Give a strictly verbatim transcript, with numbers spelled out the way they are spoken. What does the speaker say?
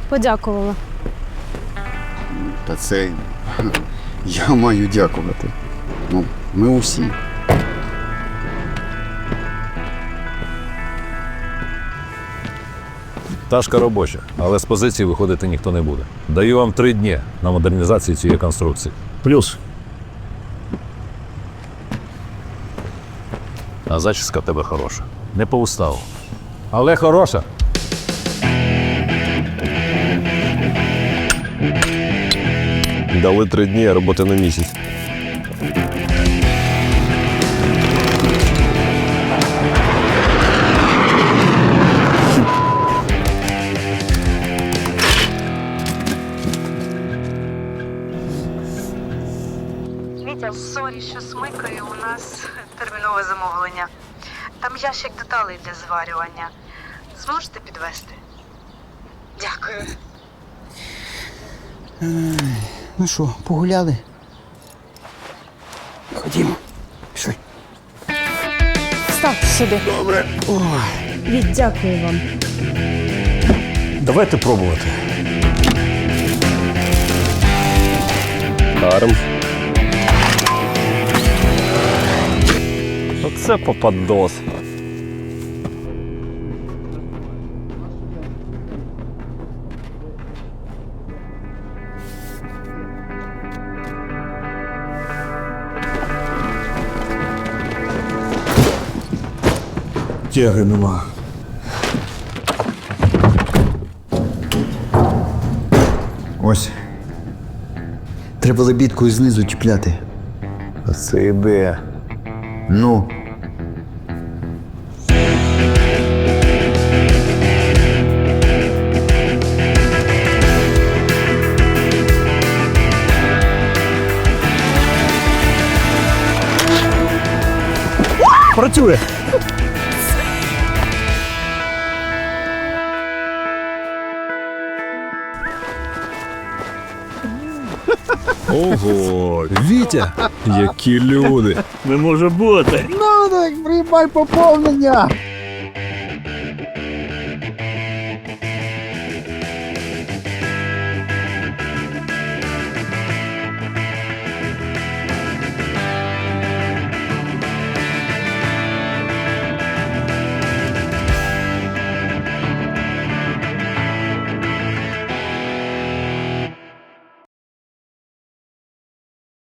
подякувала. Та це я маю дякувати. Ну, ми усі. Пташка робоча, але з позиції виходити ніхто не буде. Даю вам три дні на модернізацію цієї конструкції. Плюс. А зачіска в тебе хороша. Не по уставу. Але хороша. Дали три дні, а роботи на місяць. Вітя, сорі, що смикаю, у нас термінове замовлення. Там ящик деталей для зварювання. Зможете підвезти? Дякую. Ну що, погуляли? Ходімо. Пішли. Ставте сюди. Добре. Ой. Віть, дякую вам. Давайте пробувати. Даром. Оце попадос. Тяги нема. Ось. Треба лебідкою знизу чіпляти. А це ідея. Ну. Працює. Ого, Вітя, які люди. Не може бути. Ну так, приймай поповнення.